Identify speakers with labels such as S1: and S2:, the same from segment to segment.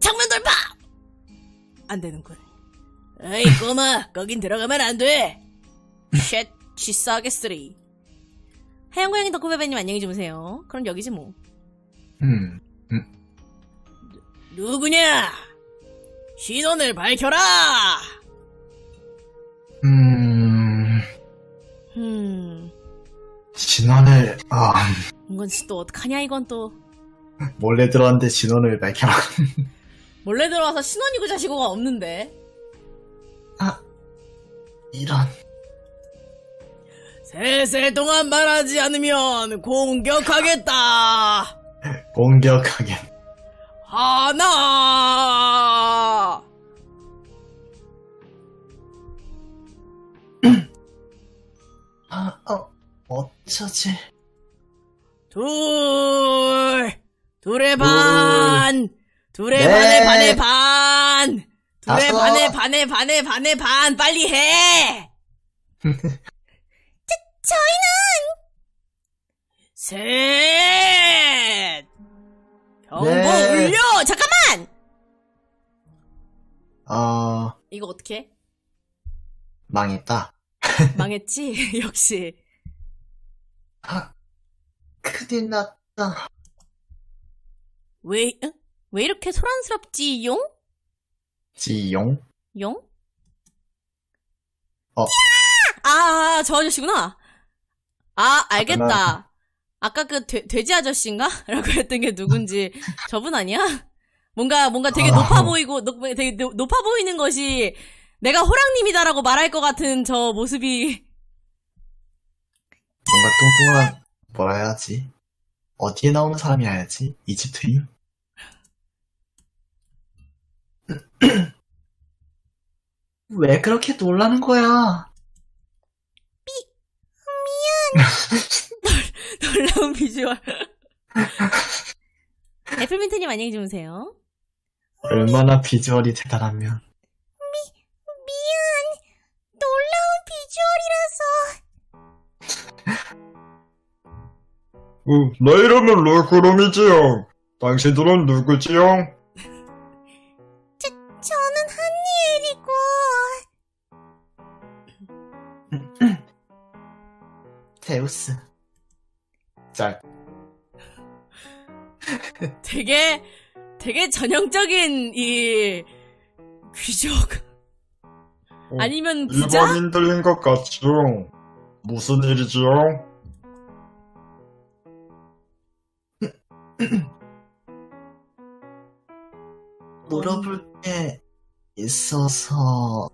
S1: 창문 돌파! 안 되는군. 에이, 꼬마, 거긴 들어가면 안 돼! 쉣, 치싸겠으리. 하얀고양이 덕후베베님 안녕히 주무세요. 그럼 여기지 뭐. 누구냐? 신원을 밝혀라!
S2: 진원을,
S1: 이건 또 어떡하냐, 이건 또.
S2: 몰래 들어왔는데 진원을 밝혀라.
S1: 몰래 들어와서 신원이고 자시고가 없는데.
S2: 이런.
S1: 셋세 동안 말하지 않으면 공격하겠다!
S2: 공격하게.
S1: 하나!
S2: 어쩌지?
S1: 둘의 반! 둘의
S2: 네.
S1: 반의 둘의
S2: 다섯.
S1: 반의 반! 빨리 해! 저희는! 셋! 경보
S2: 네.
S1: 울려! 잠깐만! 이거 어떻게?
S2: 망했다.
S1: 망했지? 역시.
S2: 큰일 났다.
S1: 왜 이렇게 소란스럽지, 용?
S2: 지용?
S1: 용? 저 아저씨구나. 알겠다. 아까 그 돼지 아저씨인가? 라고 했던 게 누군지 저분 아니야? 뭔가 되게 높아 보이고, 되게 높아 보이는 것이 내가 호랑님이다라고 말할 것 같은 저 모습이.
S2: 뭔가 뚱뚱한, 뭐라 해야지? 어디에 나오는 사람이 해야지? 이집트인? 왜 그렇게 놀라는 거야?
S1: 놀라운 비주얼. 애플민트님 안녕히 주무세요.
S2: 얼마나 비주얼이 대단하면.
S3: 내 이름은 롤꾸름이지요. 당신들은 누구지요?
S1: 저는 한니엘이고.
S2: 데우스. 짤.
S1: 되게 전형적인 이 귀족. 아니면 부자?
S3: 일반인들인 것 같죠? 무슨 일이지요?
S2: 물어볼 게 있어서,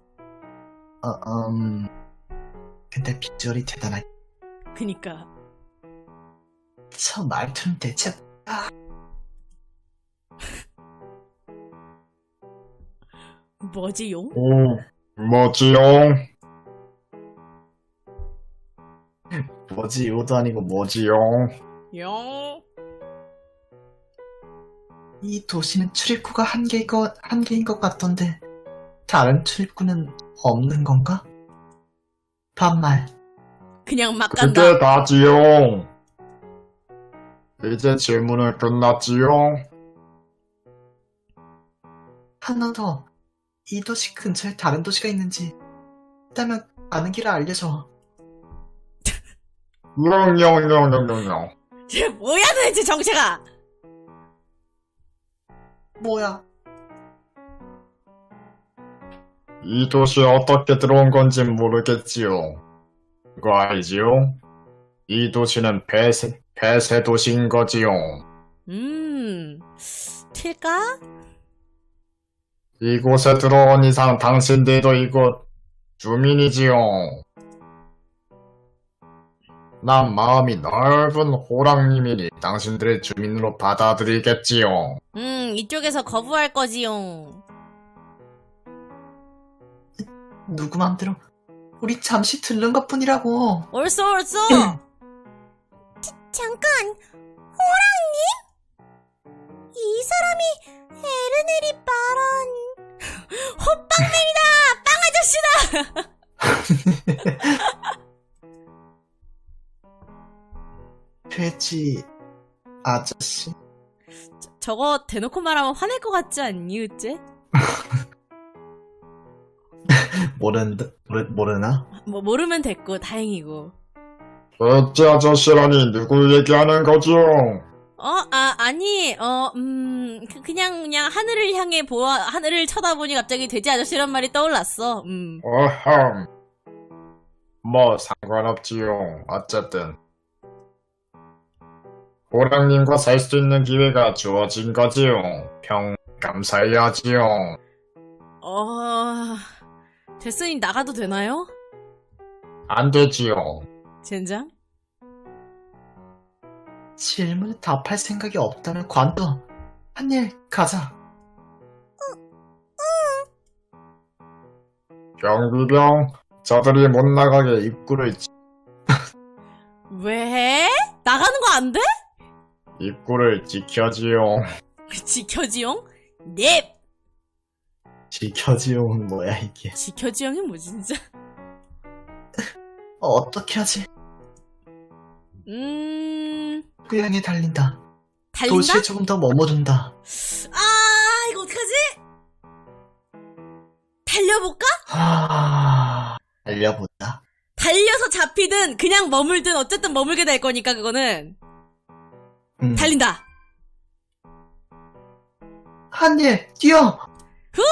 S2: 근데 비주얼이 대단하게.
S1: 그니까.
S2: 저 말투는 대체,
S1: 뭐지, 용?
S3: 뭐지요?
S2: 뭐지, 요도 아니고
S3: 뭐지요?
S1: 용?
S2: 이 도시는 출입구가 한 개인 것 같던데, 다른 출입구는 없는 건가? 반말.
S1: 그냥 막 간다.
S3: 그게 다지요. 이제 질문은 끝났지요?
S2: 하나 더. 이 도시 근처에 다른 도시가 있는지 있다면 아는 길을 알려줘.
S3: 영영영영영영.
S1: 쟤 뭐야 도대체 정체가.
S2: 뭐야?
S3: 이 도시에 어떻게 들어온 건지 모르겠지요. 그거 알지요? 이 도시는 폐쇄 도시인 거지요.
S1: 튈까?
S3: 이곳에 들어온 이상 당신들도 이곳 주민이지요. 난 마음이 넓은 호랑님이니 당신들의 주민으로 받아들이겠지요.
S1: 이쪽에서 거부할 거지용.
S2: 누구 맘대로. 우리 잠시 들른 것 뿐이라고.
S1: 옳소. 잠깐, 호랑님? 이 사람이 에르넬이 말한 호빵맨이다! 빵 아저씨다!
S2: 돼지 아저씨.
S1: 저거 대놓고 말하면 화낼 것 같지 않니, 으째?
S2: 모르나?
S1: 뭐, 모르면 됐고, 다행이고.
S3: 어째 아저씨라니 누구 얘기하는 거죠?
S1: 아니, 그냥 하늘을 향해 하늘을 쳐다보니 갑자기 돼지 아저씨란 말이 떠올랐어.
S3: 어흠. 뭐 상관없지요. 어쨌든 호랑님과 살 수 있는 기회가 주어진 거지요. 감사해야지요.
S1: 데스니 나가도 되나요?
S3: 안 되지요.
S1: 젠장?
S2: 질문에 답할 생각이 없다면 관둬. 한일 가자.
S3: 경비병, 저들이 못 나가게 입구를
S1: 왜? 나가는 거 안 돼?
S3: 지켜지요.
S1: 지켜지용? 넵!
S2: 지켜지용은 뭐야 이게.
S1: 지켜지용이 뭐 진짜?
S2: 어떻게 하지? 고향에 달린다.
S1: 달린다?
S2: 도시에 조금 더 머무른다.
S1: 이거 어떡하지? 달려볼까?
S2: 달려본다.
S1: 달려서 잡히든 그냥 머물든 어쨌든 머물게 될 거니까 그거는 달린다.
S2: 한일 뛰어.
S1: 우와!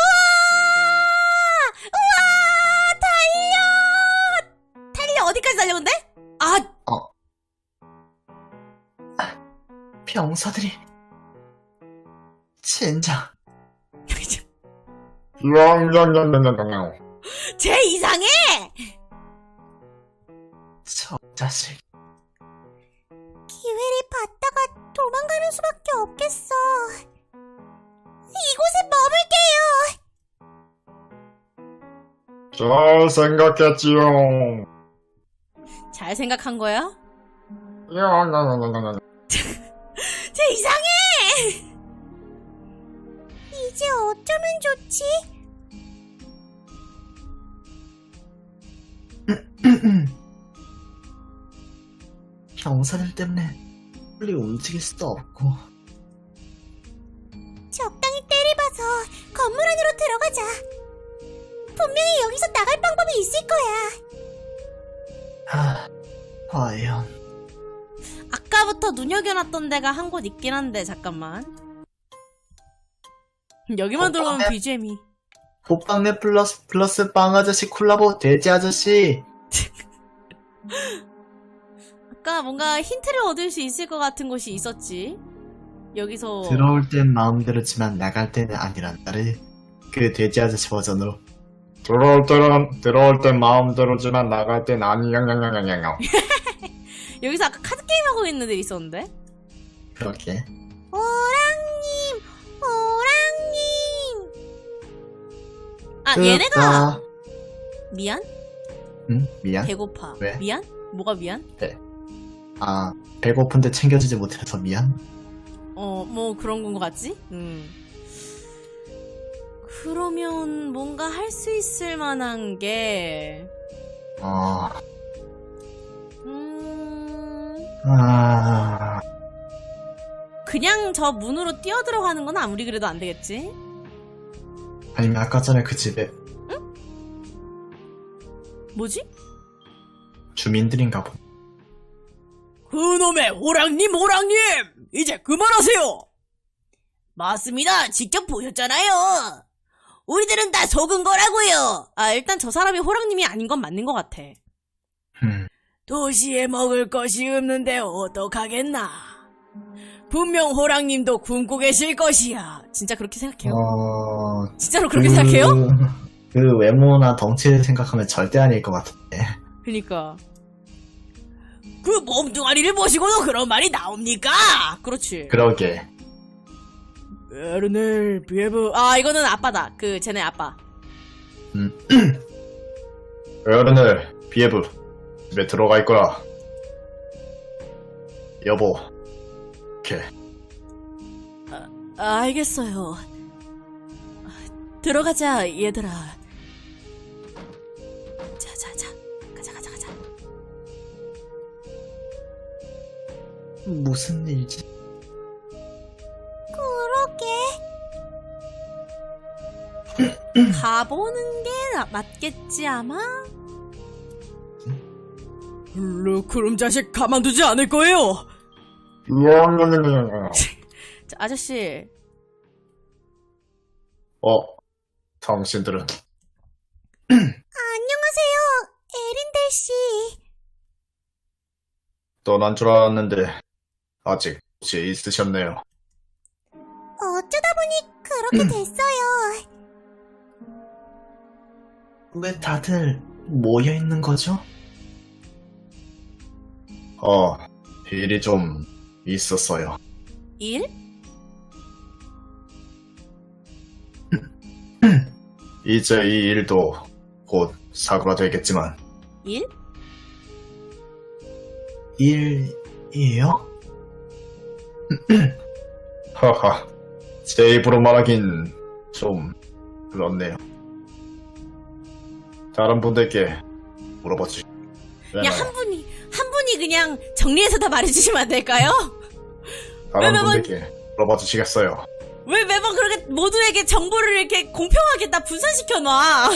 S1: 달려! 어디까지 달려온대?
S2: 병사들이 젠장.
S1: 쟤 이상해!
S2: 저 자식.
S1: 기회를 받다가 도망가는 수밖에 없겠어. 이곳에 머물게요.
S3: 잘 생각했지요.
S1: 잘 생각한 거야?
S3: 야,
S1: 쟤 이상해! 이제 어쩌면 좋지?
S2: 병사들 때문에 빨리 움직일 수도 없고.
S1: 적당히 때를 봐서 건물 안으로 들어가자. 분명히 여기서 나갈 방법이 있을 거야.
S2: 과연.
S1: 아까부터 눈여겨놨던 데가 한 곳 있긴 한데 잠깐만. 여기만 들어오면 BGM이.
S2: 호빵네 플러스 빵 아저씨 콜라보 돼지 아저씨.
S1: 아까 뭔가 힌트를 얻을 수 있을 것 같은 곳이 있었지. 여기서
S2: 들어올 땐 마음대로지만 나갈 때는 아니란다를. 그 돼지 아저씨 버전으로.
S3: 들어올 땐 마음대로지만 나갈 땐 아니,
S1: 여기서 아까 카드 게임 하고 있는 애들 있었는데.
S2: 그렇게.
S1: 호랑님. 얘네가 미안?
S2: 응? 미안?
S1: 배고파.
S2: 왜?
S1: 미안? 뭐가 미안?
S2: 배고픈데 챙겨주지 못해서 미안?
S1: 뭐 그런 건 것 같지? 그러면 뭔가 할 수 있을 만한 게 그냥 저 문으로 뛰어들어가는 건 아무리 그래도 안 되겠지?
S2: 아니면 아까 전에 그 집에
S1: 뭐지?
S2: 주민들인가 보.
S1: 그놈의 호랑님! 이제 그만하세요! 맞습니다. 직접 보셨잖아요. 우리들은 다 속은 거라고요. 일단 저 사람이 호랑님이 아닌 건 맞는 것 같아. 도시에 먹을 것이 없는데 어떡하겠나. 분명 호랑님도 굶고 계실 것이야. 진짜 그렇게 생각해요? 진짜로 그렇게 생각해요?
S2: 그 외모나 덩치를 생각하면 절대 아닐 것 같은데.
S1: 그니까. 그 몸뚱아리를 보시고도 그런 말이 나옵니까? 그렇지.
S2: 그러게.
S1: 에르넬, 비에브. 이거는 아빠다. 쟤네 아빠.
S3: 어른을 비에브 집에 들어가 있거라. 여보. 이렇게.
S1: 알겠어요. 들어가자, 얘들아. 자. 가자.
S2: 무슨 일지?
S1: 그럼 가보는 게 맞겠지 아마? 그럼 자식 가만두지 않을 거예요. 자, 아저씨.
S3: 당신들은
S4: 안녕하세요, 에린델 씨.
S3: 떠난 줄 알았는데 아직 곳에 있으셨네요.
S4: 어쩌다 보니 그렇게 됐어요.
S2: 왜 다들 모여 있는 거죠?
S3: 일이 좀 있었어요.
S1: 일?
S3: 이제 이 일도 곧 사그라들겠지만
S1: 일?
S2: 일이에요?
S3: 하하, 제 입으로 말하긴 좀 그렇네요. 다른 분들께 물어봐 주시.
S1: 야, 한 분이 그냥 정리해서 다 말해주시면 안 될까요?
S3: 다른
S1: 왜 매번-
S3: 분들께 물어봐 주시겠어요?
S1: 왜 매번 그렇게 모두에게 정보를 이렇게 공평하게 다 분산시켜놔?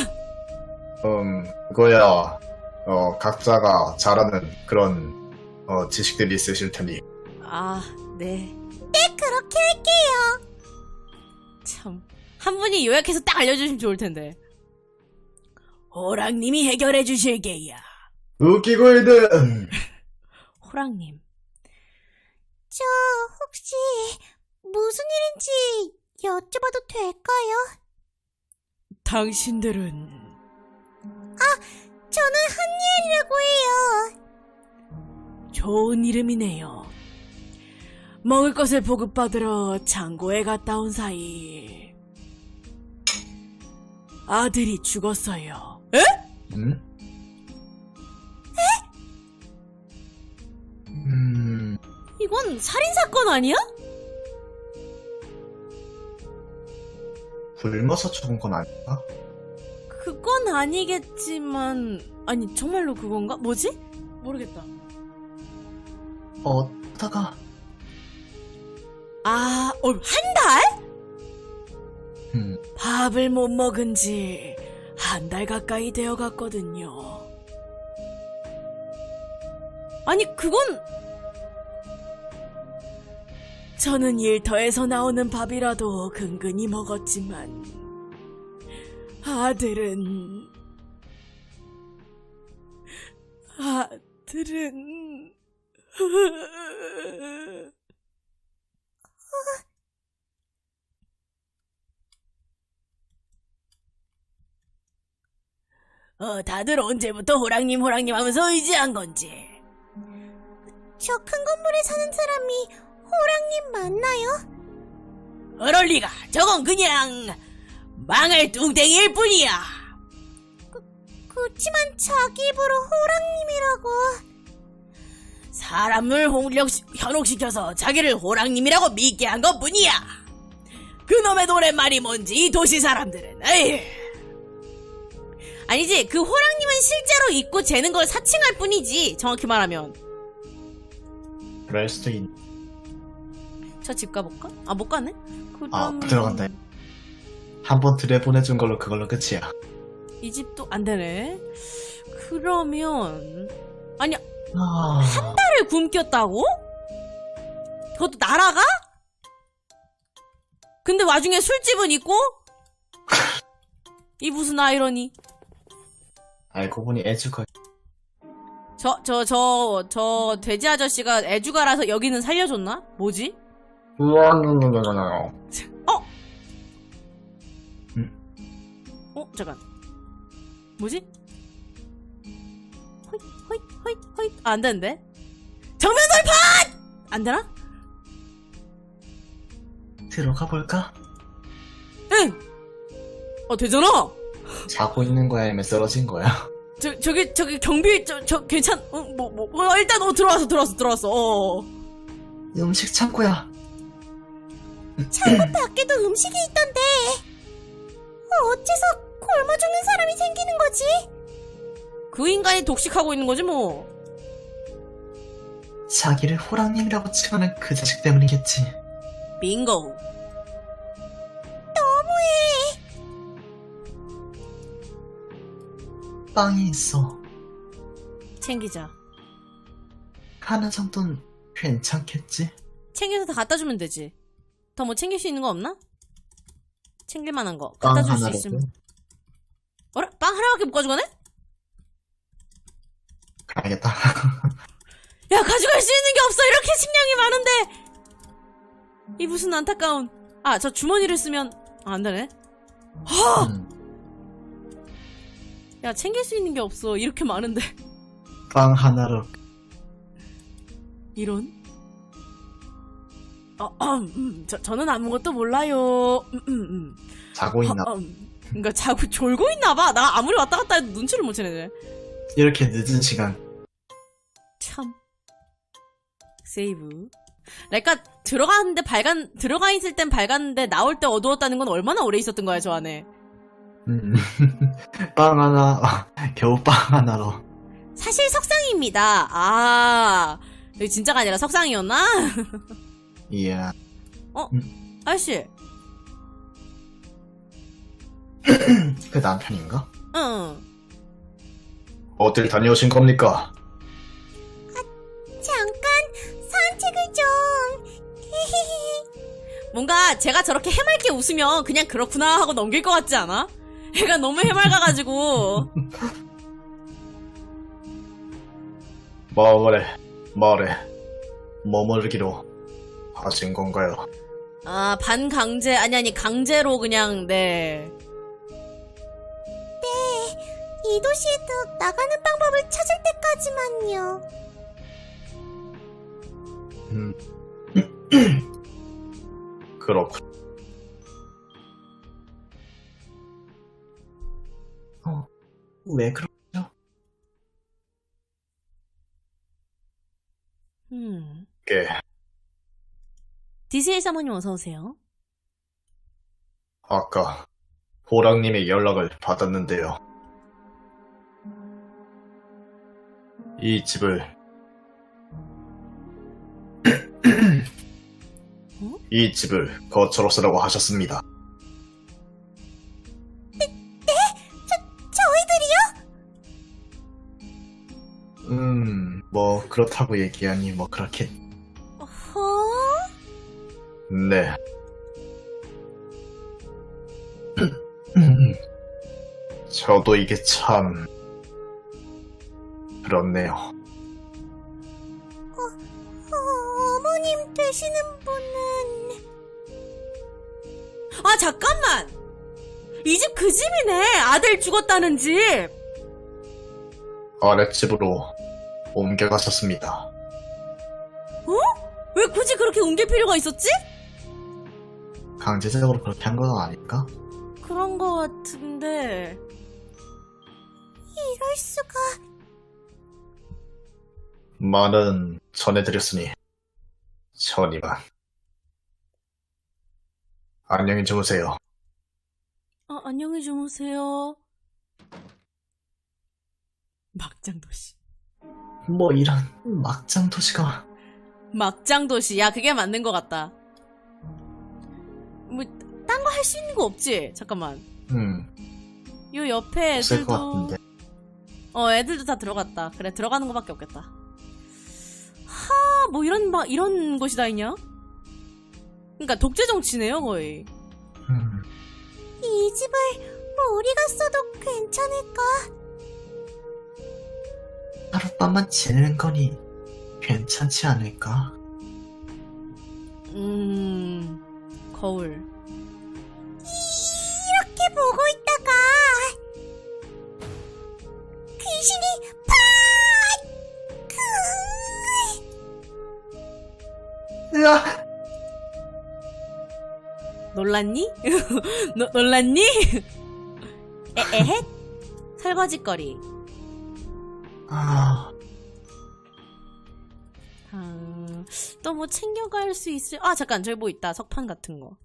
S3: 그거야, 각자가 잘하는 그런, 지식들이 있으실 테니.
S1: 아, 네.
S4: 네, 그렇게 할게요.
S1: 참. 한 분이 요약해서 딱 알려주시면 좋을 텐데. 호랑님이 해결해 주실게야.
S3: 웃기고 있는!
S1: 호랑님.
S4: 저 혹시 무슨 일인지 여쭤봐도 될까요?
S1: 당신들은
S4: 저는 한니엘이라고 해요.
S1: 좋은 이름이네요. 먹을 것을 보급받으러 창고에 갔다 온 사이 아들이 죽었어요. 에? 이건 살인사건 아니야?
S2: 굶어서 죽은 건 아닌가?
S1: 그건 아니겠지만 아니 정말로 그건가? 뭐지? 모르겠다.
S2: 어쩌다가
S1: 아, 한 달?
S2: 음,
S1: 밥을 못 먹은 지 한 달 가까이 되어 갔거든요. 아니, 그건 저는 일터에서 나오는 밥이라도 근근히 먹었지만 아들은 다들 언제부터 호랑님 하면서 의지한 건지.
S4: 저 큰 건물에 사는 사람이 호랑님 맞나요?
S1: 그럴 리가. 저건 그냥 망할 뚱땡이일 뿐이야.
S4: 그치만 자기 입으로 호랑님이라고.
S1: 사람을 현혹시켜서 자기를 호랑님이라고 믿게 한 것뿐이야. 그놈의 노랫말이 뭔지 이 도시 사람들은 에이. 아니지, 그 호랑님은 실제로 있고 재는 걸 사칭할 뿐이지, 정확히 말하면.
S2: 그럴 수도 있...
S1: 저 집 가볼까? 아, 못 가네?
S2: 못 들어간다. 한번 들여보내준 걸로 그걸로 끝이야.
S1: 이 집도 안 되네. 그러면 아니,
S2: 한
S1: 달을 굶겼다고? 그것도 날아가? 근데 와중에 술집은 있고? 이 무슨 아이러니?
S2: 알고 보니 애주가
S1: 저 돼지 아저씨가 애주가라서 여기는 살려줬나? 뭐지? 잠깐. 뭐지? 호잇. 아, 안 되는데? 정면 돌파! 안 되나?
S2: 들어가 볼까?
S1: 응! 되잖아!
S2: 자고 있는 거야 아니면 쓰러진 거야?
S1: 저기 경비, 괜찮, 일단, 들어왔어.
S2: 음식 창고야.
S4: 창고 밖에도 음식이 있던데. 어째서 굶어 죽는 사람이 생기는 거지?
S1: 그 인간이 독식하고 있는 거지, 뭐.
S2: 자기를 호랑님이라고 칭하는 그 자식 때문이겠지.
S1: 빙고.
S2: 빵이 있어.
S1: 챙기자.
S2: 하나 정도는 괜찮겠지?
S1: 챙겨서 다 갖다 주면 되지. 더 뭐 챙길 수 있는 거 없나? 챙길 만한 거.
S2: 빵
S1: 갖다 줄 수
S2: 하나라도.
S1: 있으면. 어라? 빵 하나밖에 못 가져가네?
S2: 가야겠다.
S1: 야, 가져갈 수 있는 게 없어! 이렇게 식량이 많은데! 이 무슨 안타까운. 아, 저 주머니를 쓰면, 안 되네. 허! 야, 챙길 수 있는 게 없어. 이렇게 많은데.
S2: 빵 하나로.
S1: 이런? 저는 아무것도 몰라요.
S2: 자고 있나?
S1: 그니까 자꾸 졸고 있나봐. 나 아무리 왔다 갔다 해도 눈치를 못 채네.
S2: 이렇게 늦은 시간.
S1: 참. 세이브. 그러니까 들어가 있을 땐 밝았는데 나올 때 어두웠다는 건 얼마나 오래 있었던 거야, 저 안에.
S2: 빵 하나, 겨우 빵 하나로.
S1: 사실 석상입니다. 아, 여기 진짜가 아니라 석상이었나?
S2: 이야.
S1: 아저씨.
S2: 그 남편인가?
S1: 응.
S3: 어딜 다녀오신 겁니까?
S4: 잠깐 산책을 좀.
S1: 뭔가 제가 저렇게 해맑게 웃으면 그냥 그렇구나 하고 넘길 것 같지 않아? 애가 너무 해맑아가지고.
S3: 말해. 머무르기로 하신 건가요?
S1: 아, 반강제, 아니, 강제로 그냥, 네.
S4: 이 도시에도 나가는 방법을 찾을 때까지만요.
S3: 그렇군.
S2: 왜 그러죠?
S3: 꽤
S1: 디스일 사모님 어서오세요.
S3: 아까 호랑님의 연락을 받았는데요. 이 집을 이 집을 거처로 쓰라고 하셨습니다.
S4: 저희들이요?
S2: 뭐 그렇다고 얘기하니 뭐 그렇게.
S3: 네, 저도 이게 참 그렇네요.
S4: 어머님 되시는 분은
S1: 아, 잠깐만! 이 집 그 집이네! 아들 죽었다는 집!
S3: 아랫집으로 옮겨갔었습니다.
S1: 왜 굳이 그렇게 옮길 필요가 있었지?
S2: 강제적으로 그렇게 한 건 아닐까?
S1: 그런 거 같은데.
S4: 이럴 수가.
S3: 말은 전해드렸으니 전이만. 안녕히 주무세요.
S1: 아, 안녕히 주무세요. 막장도시.
S2: 뭐 이런 막장 도시가.
S1: 막장도시. 야, 그게 맞는 것 같다. 뭐, 딴 거 할 수 있는 거 없지? 잠깐만. 요 옆에
S2: 없을 것
S1: 애들도.
S2: 같은데.
S1: 애들도 다 들어갔다. 그래, 들어가는 거밖에 없겠다. 뭐 이런 곳이 다 있냐? 그니까 독재 정치네요, 거의.
S4: 이 집을 우리가 써도 괜찮을까?
S2: 하룻밤만 지내는 거니 괜찮지 않을까?
S1: 거울.
S4: 이렇게 보고 있다가 귀신이
S2: 으아!
S1: 놀랐니? 놀랐니? 에헷? 설거지거리. 또 뭐 챙겨갈 수 있을, 잠깐, 저기 뭐 있다. 석판 같은 거.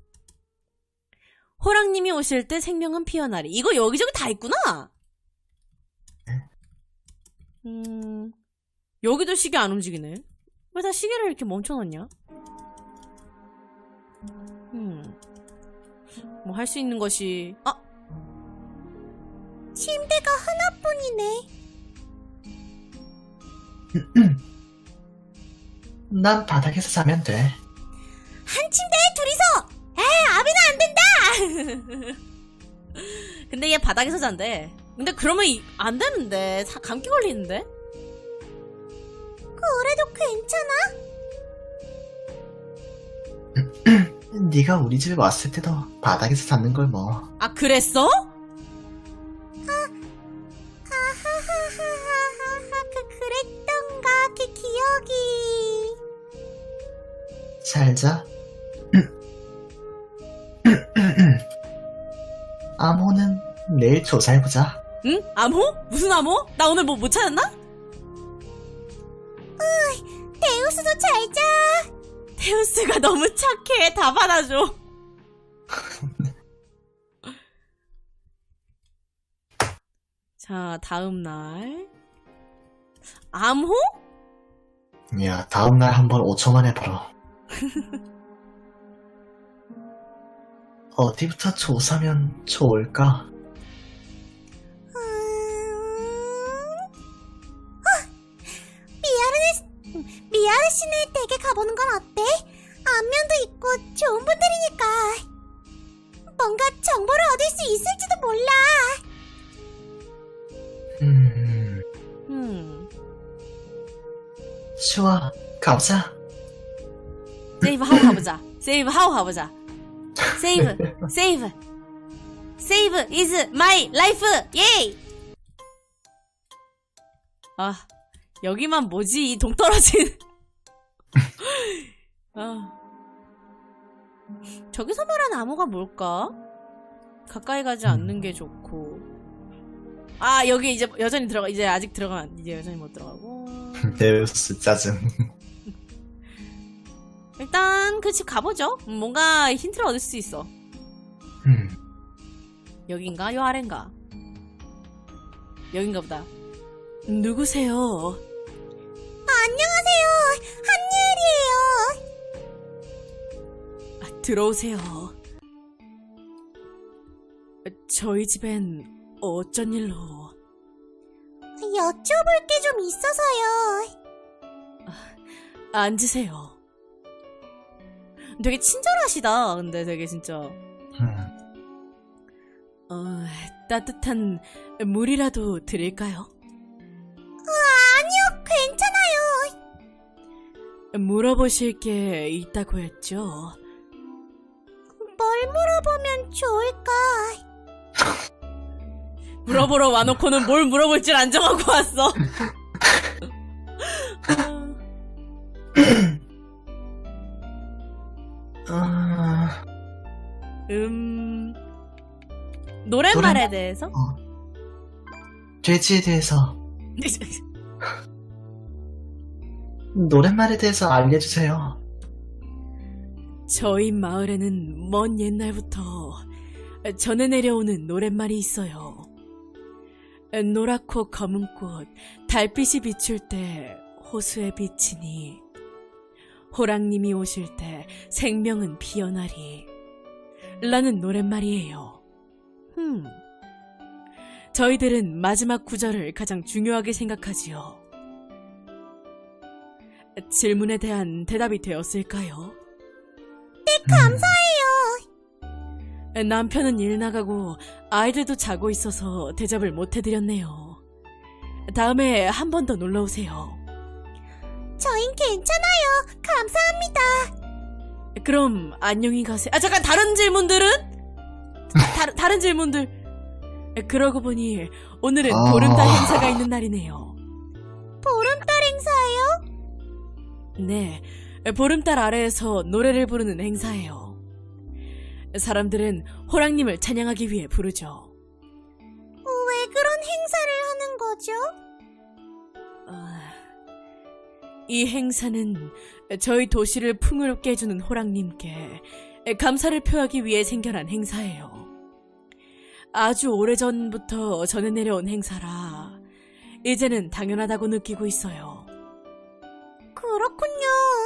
S1: 호랑님이 오실 때 생명은 피어나리. 이거 여기저기 다 있구나! 여기도 시계 안 움직이네. 왜 다 시계를 이렇게 멈춰놨냐? 뭐 할 수 있는 것이,
S4: 침대가 하나뿐 뿐이네.
S2: 난 바닥에서 자면 돼.
S4: 한 침대에 둘이서! 아비는 안 된다!
S1: 근데 얘 바닥에서 잔대. 근데 그러면 안 되는데. 감기 걸리는데?
S4: 그래도 괜찮아?
S2: 네가 우리 집에 왔을 때도 바닥에서 잤는 걸 뭐.
S1: 아, 그랬어?
S4: 그랬던가, 그 기억이.
S2: 잘 자. 암호는 내일 조사해보자.
S1: 응? 암호? 무슨 암호? 나 오늘 뭐 못 찾았나?
S4: 데우스도 잘 자.
S1: 테우스가 너무 착해. 다 받아줘. 자, 다음 날. 암호?
S2: 야, 다음날 한번 5초만 해보라. 어디부터 조사면 좋을까?
S4: 미아르시네 댁에 가보는 건 어때? 안면도 있고 좋은 분들이니까. 뭔가 정보를 얻을 수 있을지도 몰라.
S2: 좋아, 가보자.
S1: 세이브 하고 가보자. 세이브 하고 가보자. 세이브, 세이브. 세이브 is my life. 예이! 아, 여기만 뭐지? 이 동떨어진. 아. 저기서 말하는 암호가 뭘까? 가까이 가지 않는 게 좋고. 아, 여기 이제 여전히 들어가. 이제 아직 들어가면 이제 여전히 못 들어가고.
S2: 데우스 짜증.
S1: 일단 그 집 가보죠. 뭔가 힌트를 얻을 수 있어. 여긴가? 요 아래인가? 여긴가 보다. 누구세요?
S4: 안녕하세요. 한예리예요.
S1: 아, 들어오세요. 저희 집엔 어쩐 일로?
S4: 여쭤볼 게 좀 있어서요.
S1: 앉으세요. 되게 친절하시다. 근데 되게 진짜 따뜻한 물이라도 드릴까요?
S4: 아니요, 괜찮아요.
S1: 물어보실 게 있다고 했죠?
S4: 뭘 물어보면 좋을까?
S1: 물어보러 와놓고는 뭘 물어볼 줄 안 정하고 왔어. 노랫말에 대해서?
S2: 돼지에 대해서. 노랫말에 대해서 알려주세요.
S1: 저희 마을에는 먼 옛날부터 전해 내려오는 노랫말이 있어요. 노랗고 검은 꽃, 달빛이 비출 때 호수에 비치니 호랑님이 오실 때 생명은 피어나리 라는 노랫말이에요. 저희들은 마지막 구절을 가장 중요하게 생각하지요. 질문에 대한 대답이 되었을까요?
S4: 네, 감사해요.
S1: 남편은 일 나가고 아이들도 자고 있어서 대접을 못 해드렸네요. 다음에 한 번 더 놀러오세요.
S4: 저흰 괜찮아요. 감사합니다.
S1: 그럼 안녕히 가세요. 아, 잠깐, 다른 질문들은? 다른 질문들. 그러고 보니 오늘은 보름달 행사가 있는 날이네요.
S4: 보름달 행사예요?
S1: 네, 보름달 아래에서 노래를 부르는 행사예요. 사람들은 호랑님을 찬양하기 위해 부르죠.
S4: 왜 그런 행사를 하는 거죠?
S1: 이 행사는 저희 도시를 풍요롭게 해주는 호랑님께 감사를 표하기 위해 생겨난 행사예요. 아주 오래전부터 전해 내려온 행사라 이제는 당연하다고 느끼고 있어요.
S4: 그렇군요.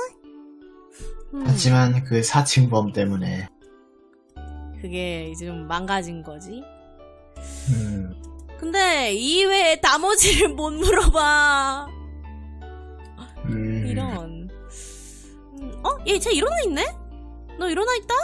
S2: 하지만 그 사칭범 때문에
S1: 그게 이제 좀 망가진 거지. 근데 이외에 나머지를 못 물어봐.
S3: 음.
S1: 이런. 얘 일어나 있네? 너 일어나 있다?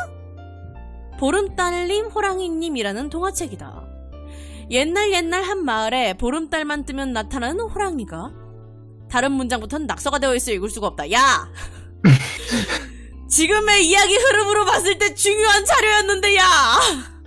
S1: 보름달님 호랑이님이라는 동화책이다. 옛날 한 마을에 보름달만 뜨면 나타나는 호랑이가 다른 문장부터는 낙서가 되어 있어 읽을 수가 없다. 야! 지금의 이야기 흐름으로 봤을 때 중요한 자료였는데, 야!